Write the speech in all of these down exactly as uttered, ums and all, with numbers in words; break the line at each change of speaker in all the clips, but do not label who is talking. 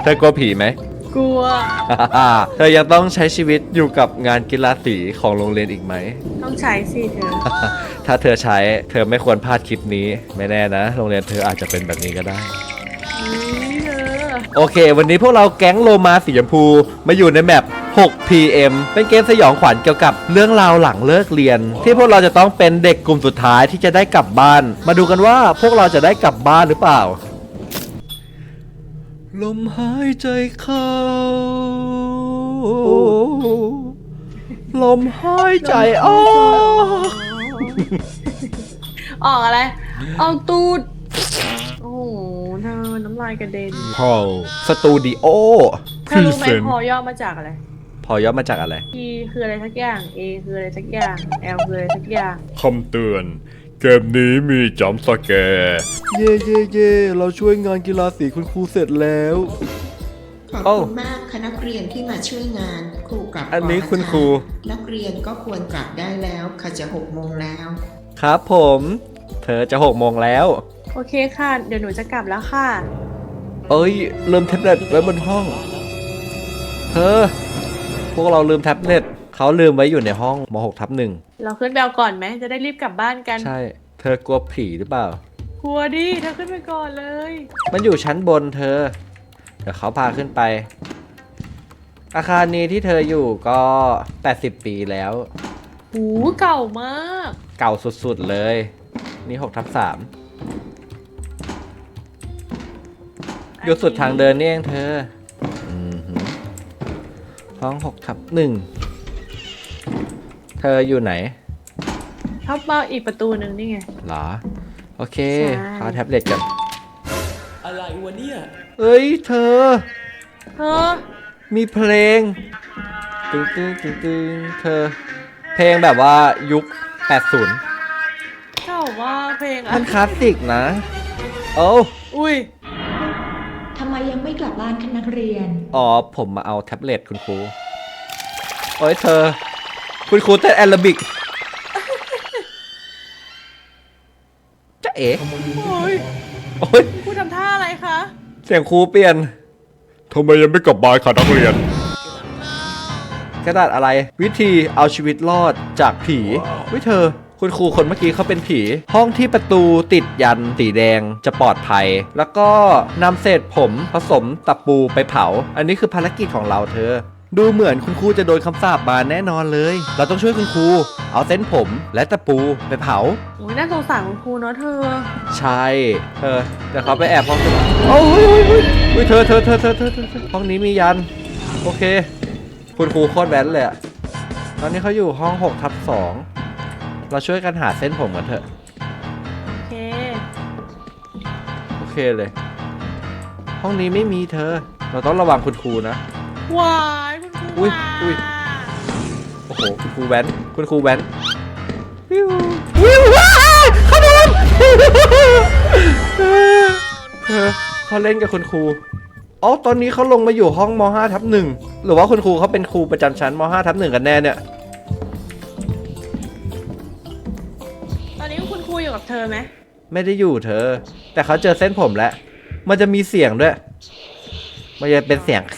ธอกลัวผีไหม
กลัว
เธอยังต้องใช้ชีวิตอยู่กับงานกีฬาสีของโรงเรียนอีกไหม
ต้องใช้สิเธอ
ถ้าเธอใช้เธอไม่ควรพลาดคลิปนี้ไม่แน่นะโรงเรียนเธออาจจะเป็นแบบนี้ก็ได้
นี่เธอ
โอเควันนี้พวกเราแก๊งโลมาสีชมพูมาอยู่ในแมป หก พี เอ็ม เป็นเกมสยองขวัญเกี่ยวกับเรื่องราวหลังเลิกเรียน ที่พวกเราจะต้องเป็นเด็กกลุ่มสุดท้ายที่จะได้กลับบ้านมาดูกันว่าพวกเราจะได้กลับบ้านหรือเปล่าลมหายใจเข้าลมหายใจออก
ออกอะไรออกตูดโอ้โหเธอน้ำลายกระเด็น
พอสตูดิโอ
เธอรู้ไหมพอย่อมาจากอะไร
พอย่อมาจากอะไร
P คืออะไรสักอย่าง A คืออะไรสักอย่าง L คืออะไรสักอย่าง
คำเตือนเกมนี้มีจัมป์สแกร์เย่เย่เย่เราช่วยงานกีฬาสีคุณครูเสร็จแล้ว
ขอบคุณมากคณะนักเรียนที่มาช่วยงานครูกลับ
อันนี้คุณครู
นักเรียนก็ควรกลับได้แล้วค่ะจะหกโมงแล้ว
ครับผมเธอจะหกโมงแล้ว
โอเคค่ะเดี๋ยวหนูจะกลับแล้วค่ะ
เอ้ยลืมแท็บเล็ตไว้บนห้องเธอพวกเราลืมแท็บเล็ตเขาลืมไว้อยู่ในห้องม หก ทับหนึ่ง
เราขึ้นไปเอาก่อนไหมจะได้รีบกลับบ้านกัน
ใช่เธอกลัวผีหรือเปล่าก
ลัวดิเธอขึ้นไปก่อนเลย
มันอยู่ชั้นบนเธอเดี๋ยวเขาพาขึ้นไปอาคารนี้ที่เธออยู่ก็แปดสิบปีแล้ว
หูเก่ามาก
เก่าสุดๆเลยนี่ หก ทับสามอยู่สุดทางเดินนี่เองเธอห้อง หก ทับหนึ่งเธออยู่ไหน
ชอบมาอีกประตูหนึ่งนี่ไง
หรอโอเคเข้าแท็บเล็ตกัน
อะไรวะเนี่ย
เอ้ยเธอ
เธอ
มีเพลงตึ้งตึ้งตึ้งตึ้งเธอเพลงแบบว่ายุคแปดสิบ
เจ้าว่าเพลง
มันคลาสสิกนะโอ้
อุ้ย
ทำไมยังไม่กลับบ้านคะนักเรียน
อ๋อผมมาเอาแท็บเล็ตคุณครูโอ้ยเธอคุณครูเต้นแอโรบิกจะเอ๋
โอ้ย
โอ้ย
ครูทำท่าอะไรคะ
เสียงครูเปลี่ยนทำไมยังไม่กลับบ้านคะนักเรียนกระดาษอะไรวิธีเอาชีวิตรอดจากผีวิเธอคุณครูคนเมื่อกี้เขาเป็นผีห้องที่ประตูติดยันสีแดงจะปลอดภัยแล้วก็นำเศษผมผสมตะปูไปเผาอันนี้คือภารกิจของเราเธอดูเหมือนคุณครูจะโดนคำสาปมาแน่นอนเลยเราต้องช่วยคุณครูเอาเส้นผมและตะปูไปเผา
โอ้ยน่าสงสารคุณครูเนาะเธอ
ใช่เธอเดี๋ยวเขาไปแอบห้องโอ้ยเธอเธอเธอเธอเธอห้องนี้มียันโอเคคุณครูโคตรแบนเลยอะตอนนี้เขาอยู่ห้อง หก ทับสองเราช่วยกันหาเส้นผมกันเถอะ
โอเค
โอเคเลยห้องนี้ไม่มีเธอเราต้องระวังคุณครูนะ
วายคุณครู
อุ้ยอุ้ยโอ้โหคุณครูแว้นคุณครูแว้นวิววิวว้าขนมเธอเขาเล่นกับคุณครูอ๋อตอนนี้เขาลงมาอยู่ห้องม ห้า ทับหนึ่งหรือว่าคุณครูเขาเป็นครูประจำชั้นม ห้า ทับหนึ่งกันแน่เนี่ย
ตอนนี้คุณครูอยู่กับเธอไหม
ไม่ได้อยู่เธอแต่เขาเจอเส้นผมแล้วมันจะมีเสียงด้วยมันจะเป็นเสียง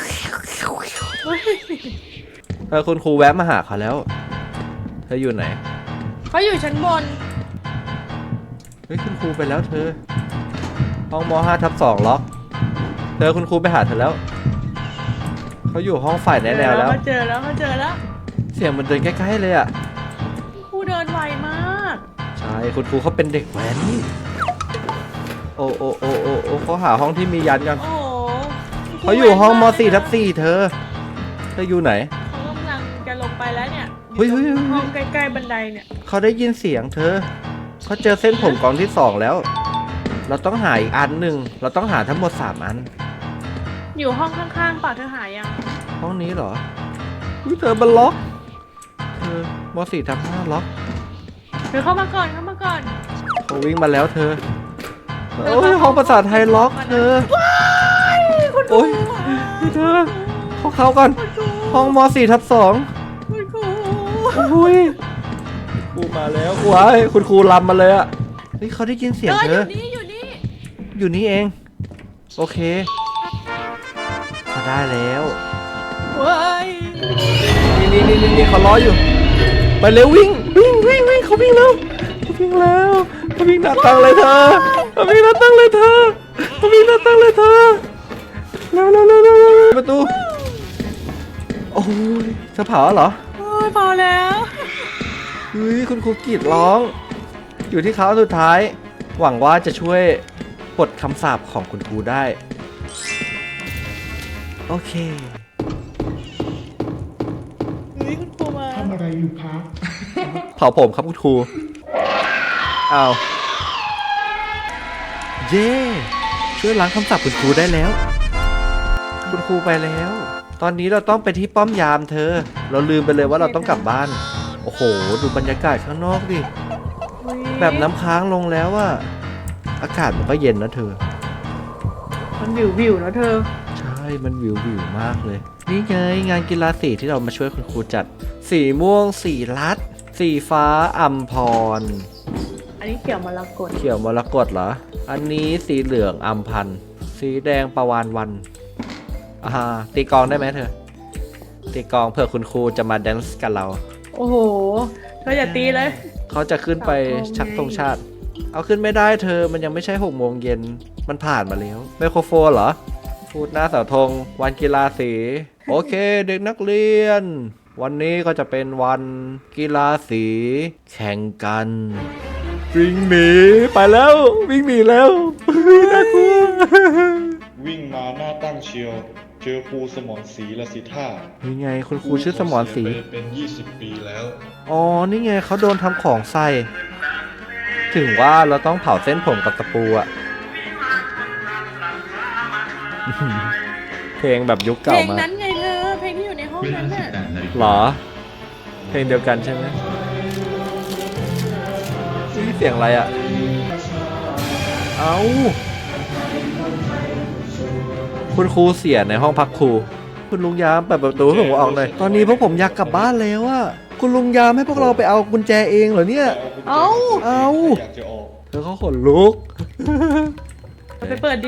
เธอคุณครูแวะมาหาเขาแล้วเธออยู่ไหน
เขาอยู่ชั้นบน
เฮ้ยคุณครูไปแล้วเธอห้องม ห้า ทับสองล็อกเธอคุณครูไปหาเธอแล้วเขาอยู่ห้องฝ่ายแนวแล้ว
เขาเจอแล้วเขาเจอแล้ว
เสียงมันเดินใกล้ๆเลยอ่ะ
ครูเดินไวมาก
ใช่คุณครูเขาเป็นเด็กแว้นโอ้โอ้โอ้โอ้โอ้เขาหาห้องที่มียันกันเขาอยู่ห้องม สี่ ทับสี่เธอเธออยู่ไหน
เขากำลังจะลงไปแล้วเนี่ย
เฮ้ย
ห้องใกล้ๆบันไดเนี่ย
เขาได้ยินเสียงเธอเขาเจอเส้นผมกองที่สองแล้วเราต้องหาอีกอันหนึ่งเราต้องหาทั้งหมดสามอัน
อยู่ห้องข้างๆป่ะเธอหายัง
ห้องนี้เหรออุ้ยเธอมันล็อกเธอม สี่ ทับห้าล็อก
เธอเข้ามาก่อนเข้ามาก่อน
เขาวิ่งมาแล้วเธอโอ้ยห้องภาษาไทยล็อกเธอโอ้ยเธอเขาเข้ากันห้องม สี่ ทับสอง
คุณครู
โอ้ยครูมาแล้วว้ายคุณครูลำมาเลยอ่ะเฮ้ยเขาได้ยินเสียงเธอ
อยู่นี่อยู่นี่
อยู่นี่เองโอเคได้แล้ว
เว้ย
นี่นี่นี่นี่เขาล้ออยู่ ไปเร็ววิ่งวิ่งวิ่งวิ่งเขาวิ่งแล้วเขาวิ่งแล้วเขาวิ่งหน้าตั้งเลยเธอเขาวิ่งหน้าตั้งเลยเธอเขาวิ่งหน้าตั้งเลยเธอเร็วเร็วเร็วเร็วเร็วประตูโอ้ยจะเผาเหรอ
โอ้ยพอแล้ว
เฮ้ยคุณครูกรีดร้อง อยู่ที่เขาสุดท้าย หวังว่าจะช่วยปลดคำสาปของคุณครูได้ โอเค
เฮ้ยคุณครูมา
ทำอะไรอยู่คะ
เผาผมครับคุณครูอ้าวเย่ช่วยล้างคำสาปคุณครูได้แล้ว คุณครูไปแล้ว ตอนนี้เราต้องไปที่ป้อมยามเธอ เราลืมไปเลยว่าเราต้องกลับบ้าน โอ้โห ดูบรรยากาศข้างนอกดิ แบบน้ำค้างลงแล้วอะอากาศมันก็เย็นนะเธอ
มันวิววิวๆนะเธอ
ใช่ มันวิววิวมากเลย นี่ไงงานกีฬาสีที่เรามาช่วยคุณครูจัด สีม่วง สีรัด สีฟ้าอัมพร
อันนี้เขียวมรกต
เขียวมรกตเหรอ อันนี้สีเหลืองอัมพันธ์สีแดงประวานวันอ่าตีกลองได้ไหมเธอ ตีกลองเผื่อคุณครูจะมาแดนซ์กับเรา
โอ้โห เธออย่าตีเลย
เขาจะขึ้นไปชักธงชาติ เอาขึ้นไม่ได้เธอ มันยังไม่ใช่หกโมงเย็น มันผ่านมาแล้วไมโครโฟนเหรอ พูดหน้าเสาธงวันกีฬาสี โอเค เด็กนักเรียน วันนี้ก็จะเป็นวันกีฬาสี แข่งกัน วิ่งหนีไปแล้ว วิ่งหนีแล้วน่ากลัว
วิ่งมาหน้าตั้งเชียว เจอครูสมรศรีละสิท่า
นี่ไงคุณครูชื่อสมรศรี
เสียไปเป็นยี่สิบปีแล้ว
อ๋อ นี่ไงเขาโดนทำของใส่ ถึงว่าเราต้องเผาเส้นผมกับตะปูอะเพลงแบบยุค
เพ
เก่า
ลง
มาก
นั้นไงเธอ เพลงที่อยู่ในห้องนั้นน่ะ
หรอ เพลงเดียวกันใช่ไหมนี่เสียงอะไรอะเอาคุณครูเสียในห้องพักครู คุณลุงยามเปิดประตูให้ผมออกหน่อย ตอนนี้พวกผมอยากกลับบ้านแล้วอะคุณลุงยามให้พวกเราไปเอากุญแจเองเหรอเนี่ย
เอ้า
เอา
อยากจะออก
เธอเขาขนลุก
เอาไปเปิดดิ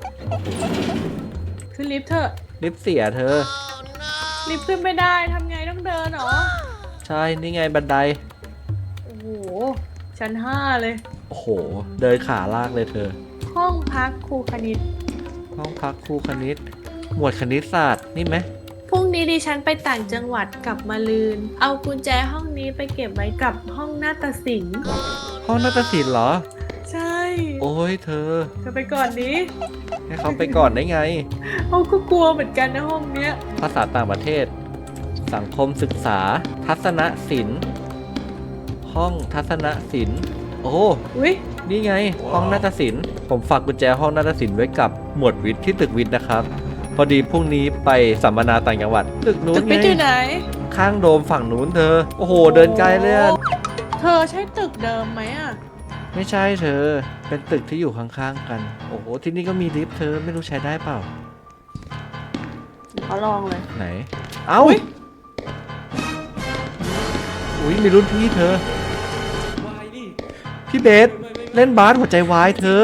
ขึ้นลิฟต์เถอะ
ลิฟต์เสียเธอ
ลิฟต์ขึ้นไม่ได้ทำไงต้องเดินเหรอ
ใช่ นี่ไงบันได
โอ้โห ชั้นห้าเลย
โอ้โห เดินขาลากเลยเธอ
ห้องพักครูคณิต
ห้องพักครูคณิต หมวดคณิตศาสตร์นี่ไหม
พรุ่งนี้ดิฉันไปต่างจังหวัดกลับมาลืน เอากุญแจห้องนี้ไปเก็บไว้กับห้องนาฏศิลป์
ห้องนาฏศิลป์เหรอ
ใช่
โอ้ยเธอ
เธอไปก่อนนี้
ให้เขาไปก่อนได้ไง
เขาก็กลัวเหมือนกันนะห้องเนี้ย
ภาษาต่างประเทศ สังคมศึกษา ทัศนศิลป์ ห้องทัศนศิลป์ โอ้
อุ้ย
นี่ไง ห้องนาฏศิลป์ ผมฝากกุญแจห้องนาฏศิลป์ไว้กับหมวดวิทย์ที่ตึกวิทย์นะครับ พอดีพรุ่งนี้ไปสัมมนาต่างจังหวัด ตึกนู้
ตึ
น
ก
ไง
วิทย์อยู่ไหน
ข้างโดมฝั่งนู้นเธอ โอ้โห เดินไกลเลยอะ
เธอใช่ตึกเดิมไหมอ่ะ
ไม่ใช่เธอ เป็นตึกที่อยู่ข้างๆกัน โอ้โห ที่นี่ก็มีลิฟต์เธอ ไม่รู้ใช้ได้เปล่า
เขาลองเลย
ไหน เอ้า อุ้ยมีรุ่นพี่เธอ
วายดิ
พี่เบส เล่นบาสหัวใจวายเธอ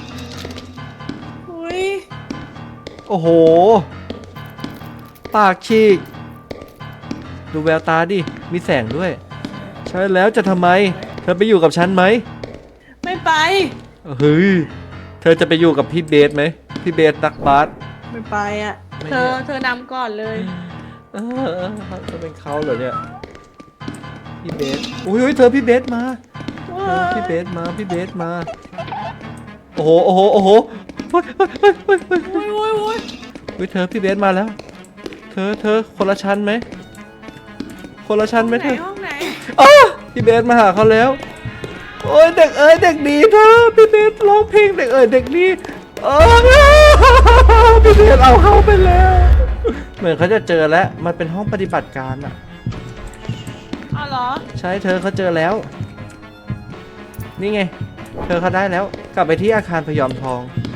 อุ้ย
โอ้โห ปากฉีก ดูแววตาดิ มีแสงด้วย ใช่แล้วจะทำไม เธอไปอยู่กับฉันไหม
ไม่ไป
เฮ้ย เธอจะไปอยู่กับพี่เบสไหม พี่เบสตักบาส
ไม่ไปอ่ะ
ไม่
เธ
เนี่
อย เธอนำก่อนเลย
เออจะเป็นเขาเหรอเนี่ย พี่เบสอุ้ยอุ้ยเธอพี่เบสมาเธอพี่เบสมา พี่เบสมา โอ้โห โอ้โห โอ้โหเฮ้ยเฮ้ยเฮ้ยเฮ้ยเฮ้ย
โอ้ยโอ้ยโอ้ย
เฮ้ยเธอพี่เบสมาแล้ว เธอเธอคนละชั้นไหม คนละชั้นไหม
ไหน
เธอ
ห้องไหน
อ้าพี่เบสมาหาเขาแล้ว โอ้ยเด็กเอ้ยเด็กดีเธอ พี่เบสร้องเพลงเด็กเอ้ยเด็กดีเออพี่เบสเอาเข้าไปแล้ว เหมือนเขาจะเจอแล้ว มันเป็นห้องปฏิบัติการอะ
อ๋อเหรอ
ใช่เธอเขาเจอแล้ว นี่ไง เธอเขาได้แล้ว กลับไปที่อาคารพยอมทอง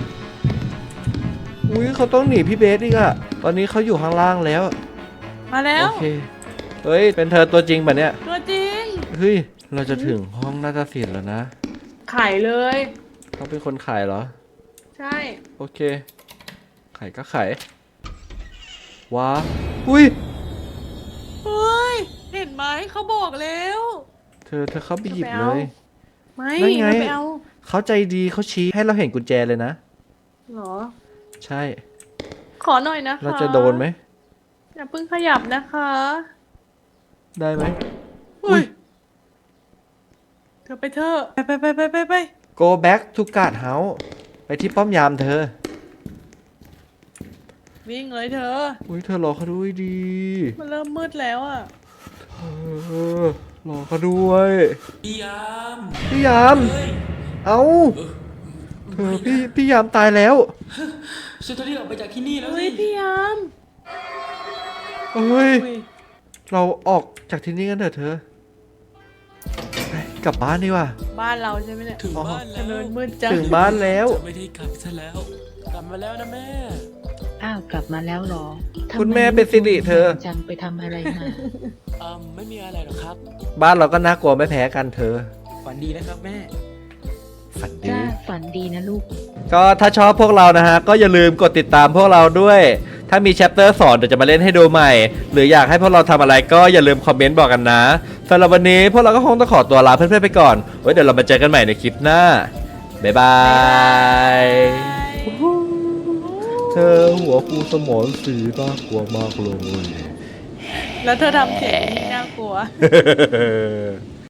อุ้ยเขาต้องหนีพี่เบสอีกอะตอนนี้เขาอยู่ข้างล่างแล้ว
มาแล้
โอ
ว
เค เฮ้ย เป็นเธอตัวจริงปะเนี่ย
ตัวจริง
เฮ้ย เราจะถึงห้องนาฏศิลป์แล้วนะ
ขายเลย
เขาเป็นคนขายเหรอ
ใช่
โอเค ขายก็ขายว้าอุ้ย
เฮ้ย เห็นไหมเขาบอกแล้ว
เธอเธอเข้าไปหยิบ
จะไป
เล
เอา
ย
ไม่
นั่นไง
ไม่ไปเอา
เขาใจดีเขาชี้ให้เราเห็นกุญแจเลยนะ
เหรอ
ใช่
ขอหน่อยนะคะ
เราจะโดนไหม
อย่าเพิ่งขยับนะคะ
ได้ไหม
อุ้ย เธอไปเถอะไปไปไปไปไป
go back to guard house ไปที่ป้อมยามเธอ
วิ่งเลยเธอ
อุ้ยเธอรอเขาด้วยดี
มันเริ่มมืดแล้วอ่ะ
เออรอเขาด้วย
พี่ยาม
พี่ยาม
เฮ้ย
เอาเธอพี่พี่ยามตายแล้ว
ช่วยตัวนี้ออกไปจากที่นี่แล้ว
เฮ้
สิ
ยพี่ยาม
เฮ้ย
อุ้ย
เราออกจากที่นี่กันเถอะเธอไปกลับบ้านดีกว่า
บ้านเราใช่ไหมเนี่ย
ถึงบ้าน
ถ
แล้ว
นนมืดจัง
ถึงบ้านแล้ว
จะไม่ได้กลับซะแล้ว กลับมาแล้วนะแม่
อ้าวกลับมาแล้วเหรอทำไ
คุณแม่เป็นสิริเธอ
จังไปทำอะไรมา
อืมไม่มีอะไรหรอกครับ
บ้านเราก็น่ากลัวไม่แพ้กันเธอ
ฝันดีนะครับแม่
ฝันดี
จ้าฝันดีนะลูก
ก็ถ้าชอบพวกเรานะฮะ ก็อย่าลืมกดติดตามพวกเราด้วย ถ้ามีแชปเตอร์สอนเดี๋ยวจะมาเล่นให้ดูใหม่ หรืออยากให้พวกเราทำอะไรก็อย่าลืมคอมเมนต์บอกกันนะสำหรับวันนี้พวกเราก็คงต้องขอตัวลาเพื่อนๆไปก่อนไว้เดี๋ยวเรามาเจอกันใหม่ในคลิปหน้า บ๊ายบาย เธอหัวฟูสมองสีน่ากลัวมากเลย
แล้วเธอทำเสียงนี่น่ากลัว